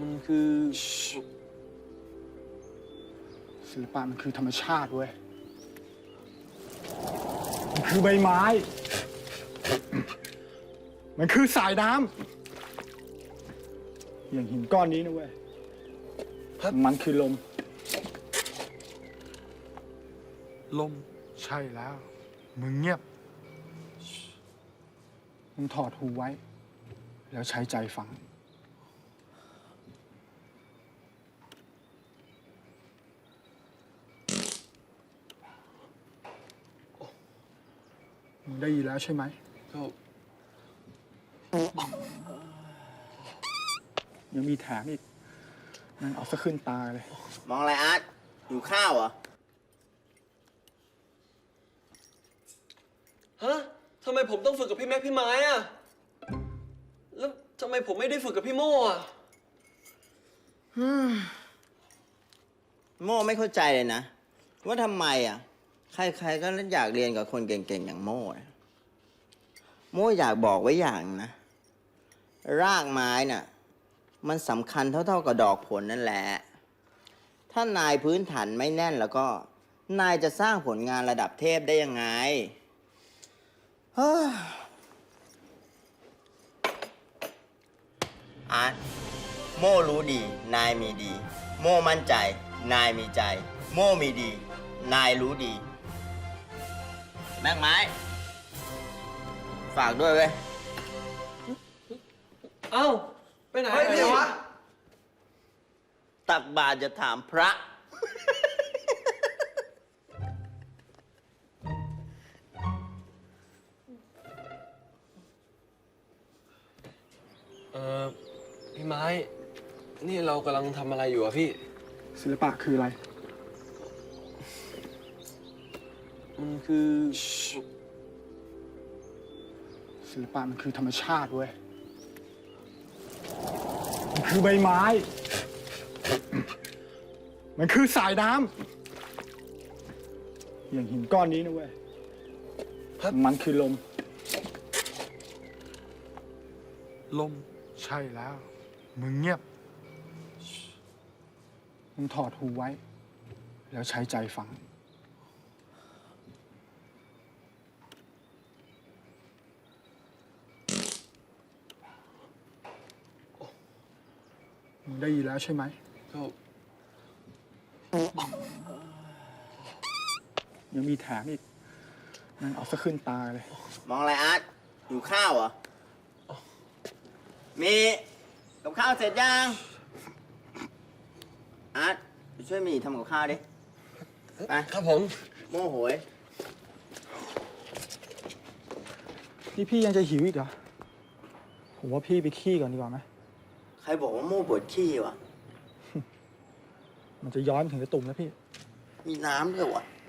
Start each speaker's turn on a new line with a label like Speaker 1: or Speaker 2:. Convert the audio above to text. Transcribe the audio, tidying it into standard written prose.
Speaker 1: มันคือ
Speaker 2: ศิลปะมันคือธรรมชาติเว้ยมันคือใบไม้ มันคือสายน้ำอย่างหินก้อนนี้นะเว้ยมันคือลม
Speaker 1: ลม
Speaker 2: ใช่แล้ว มึงเงียบ มึงถอดหูไว้ แล้วใช้ใจฟัง มึงได้ยินแล้วใช่ไหม
Speaker 1: ก็
Speaker 2: ยังมีแถมอีกนั่นเอาซะขึ้นตาเลย
Speaker 3: มองอะไรอาร์ตหิวข้าวเหรอ
Speaker 1: ฮะทำไมผมต้องฝึกกับพี่แม็กพี่ไม้อะแล้วทำไมผมไม่ได้ฝึกกับพี่โม่อะ
Speaker 3: โม่ไม่เข้าใจเลยนะ ว่าทำไมอ่ะ ใครๆก็อยากเรียนกับคนเก่งๆ อย่างโม่นะโม่อยากบอกไว้อย่างนะ รากไม้น่ะ มันสำคัญเท่าๆกับดอกผลนั่นแหละ ถ้านายพื้นฐานไม่แน่นแล้วก็ นายจะสร้างผลงานระดับเทพได้ยังไงเฮ้ออาร์ตโม่รู้ดี นายมีดี โม่มั่นใจ นายมีใจ โม่มีดี นายรู้ดี แม่งไม้ ฝากด้วยเว้ย
Speaker 1: เอ้าไปไหน
Speaker 3: เฮ้ย
Speaker 1: ไป
Speaker 3: พี่
Speaker 1: ไหนวะ
Speaker 3: ตักบาตรจะถามพระ
Speaker 1: พี่ไม้ นี่เรากำลังทำอะไรอยู่อะพี่
Speaker 2: ศิลปะคืออะไร
Speaker 1: มันคือ
Speaker 2: ศิลปะมันคือธรรมชาติเว้ย มันคือใบไม้ มันคือสายน้ำอย่างหินก้อนนี้นะเว้ยมันคือลม
Speaker 1: ลม
Speaker 2: ใช่แล้ว มึงเงียบ มึงถอดหูไว้ แล้วใช้ใจฟัง มึงได้ยินแล้วใช่ไหม
Speaker 1: ก็
Speaker 2: ยังมีแถมอีกนั่นเอาซะขึ้นตาเลย
Speaker 3: มองอะไรอาร์ตหิวข้าวเหรอ มีกับข้าวเสร็จยัง อาร์ตไปช่วยมีทำกับข้าวดิ ไป
Speaker 1: ครับผม
Speaker 3: โม่โหย
Speaker 2: นี่พี่ยังจะหิวอีกเหรอ ผมว่าพี่ไปขี้ก่อนดีกว่าไหม
Speaker 3: ใครบอกว่าโม่ปวดขี้วะ
Speaker 2: มันจะย้อนถึงกระตุ่มแล้วพี่
Speaker 3: มีน้ำด้วยวะ